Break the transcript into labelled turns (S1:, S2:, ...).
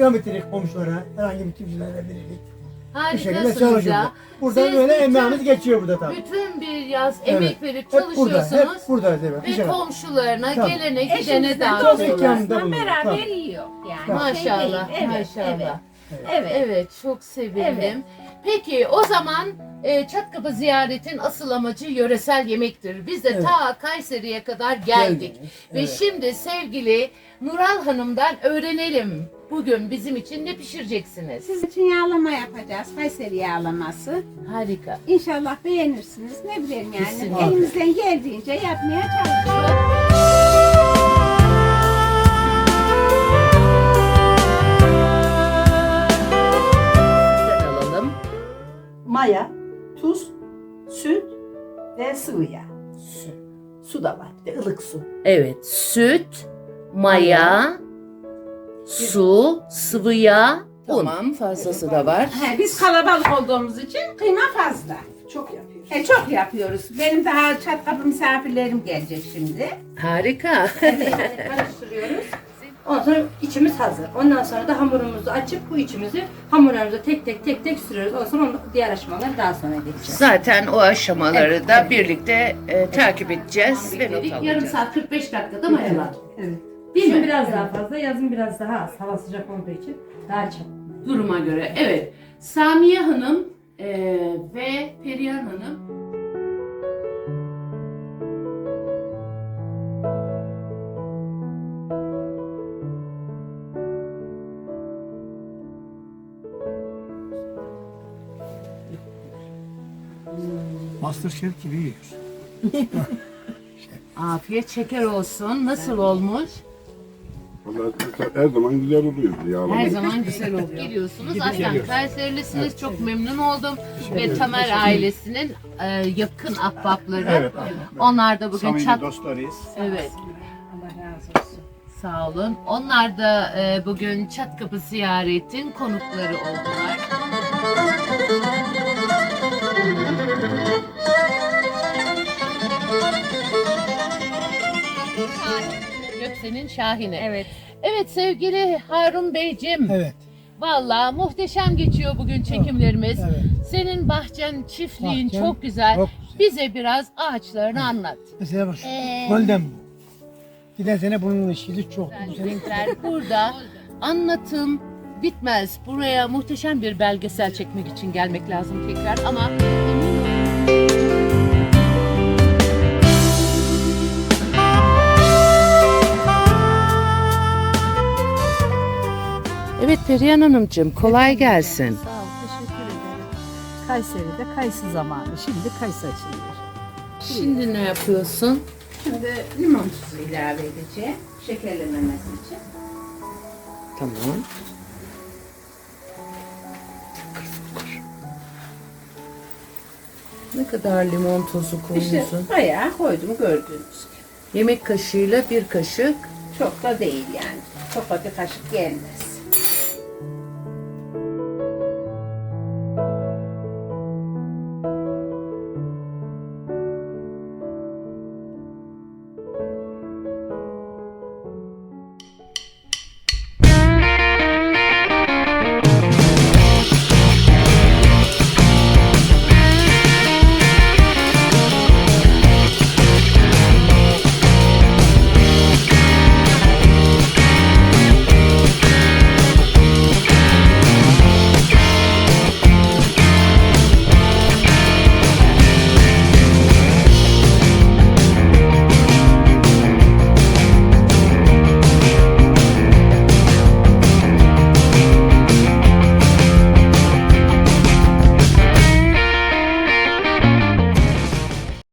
S1: ikram ettirdik komşulara, herhangi bir kimselere verirdik. Bu şekilde
S2: Harikasınız
S1: çalışıyoruz.
S2: ya.
S1: Burada
S2: Siz
S1: böyle
S2: bütün-
S1: emeğimiz geçiyor burada tabii.
S2: Bütün bir yaz
S1: Evet.
S2: emek verip
S1: Hep burada,
S2: çalışıyorsunuz.
S1: hep buradayız evet.
S2: Ve komşularına,
S1: Tabii.
S2: gelene, gidene
S3: Eşimizden
S2: dağıtıyorlar.
S1: dostumuzdan
S3: dostumuzla beraber
S1: Tabii.
S3: yiyor yani.
S2: Maşallah,
S3: Şey değil. Evet,
S2: maşallah.
S3: Evet.
S2: Evet, çok sevindim.
S3: Evet.
S2: Peki o zaman Çatkapı ziyaretin asıl amacı yöresel yemektir. Biz de
S1: Evet.
S2: ta Kayseri'ye kadar geldik.
S1: Geldiniz,
S2: Ve
S1: evet.
S2: şimdi sevgili Nural Hanım'dan öğrenelim. Bugün bizim için ne pişireceksiniz?
S3: Sizin için yağlama yapacağız. Kayseri yağlaması.
S2: Harika.
S3: İnşallah beğenirsiniz. Ne bileyim yani.
S2: Kesinlikle.
S3: Elimizden geldiğince yapmaya çalışıyoruz.
S2: Sizden alalım.
S4: Maya, tuz, süt ve sıvı yağ. Su da var, bir de ılık su.
S2: Evet, süt, maya, su, sıvı yağ, un. Tamam, fazlası da var.
S3: Biz kalabalık olduğumuz için kıyma fazla.
S4: Çok yapıyoruz.
S3: Çok yapıyoruz. Benim daha Çatkapı misafirlerim gelecek şimdi.
S2: Harika.
S3: Karıştırıyoruz.
S4: Ondan sonra içimiz hazır. Ondan sonra da hamurumuzu açıp bu içimizi hamurlarımıza tek tek sürüyoruz. Ondan sonra diğer aşamaları daha sonra geçeceğiz.
S2: Zaten o aşamaları da birlikte takip edeceğiz ve not
S4: Yarım
S2: alacağız.
S4: saat 45 dakikada mayalar.
S5: Evet.
S4: Değil mi?
S5: Kışın biraz daha fazla, yazın biraz daha az. Hava sıcak olduğu için daha çabuk.
S2: Duruma göre. Evet. Samiye Hanım ve Perihan Hanım.
S1: Masterchef gibi yiyor.
S2: Afiyet şeker olsun. Nasıl olmuş?
S6: Vallahi her zaman güzel oluyor yağlama.
S2: Her zaman güzel oluyor. Geliyorsunuz. Aslen Kayserilisiniz. Çok memnun oldum. Ve Tamer ailesinin yakın ahbapları.
S1: Evet.
S2: Onlar da bugün
S1: Samimi dostlarıyız.
S2: Evet.
S3: Allah razı olsun.
S2: Sağ olun. Onlar da bugün Çatkapı ziyaretin konukları oldular. Göksel'in Şahine.
S3: Evet.
S2: Evet sevgili Harun Beyciğim.
S1: Evet.
S2: Vallahi muhteşem geçiyor bugün çekimlerimiz.
S1: Evet.
S2: Senin bahçen, çiftliğin
S1: Bahçem
S2: çok güzel.
S1: çok
S2: Bize biraz ağaçlarını anlat.
S1: Mesela bak golden bu. Giden sene bunun ışığı çok. Bu sene
S2: Renkler burada. Anlatım bitmez. Buraya muhteşem bir belgesel çekmek için gelmek lazım tekrar ama emin olun. Evet Perihan Hanımcığım kolay gelsin.
S5: Sağ ol, teşekkür ederim. Kayseri'de kayısı zamanı. Şimdi kayısı açılıyor.
S2: Şimdi ne yapıyorsun?
S3: Şimdi limon tuzu ilave edeceğim. Şekerlememesi için.
S2: Tamam. Ne kadar limon tozu
S3: İşte
S2: koyuyorsun?
S3: bayağı koydum gördüğünüz gibi.
S2: Yemek kaşığıyla bir kaşık.
S3: Çok da değil yani. Çok da bir kaşık gelmez.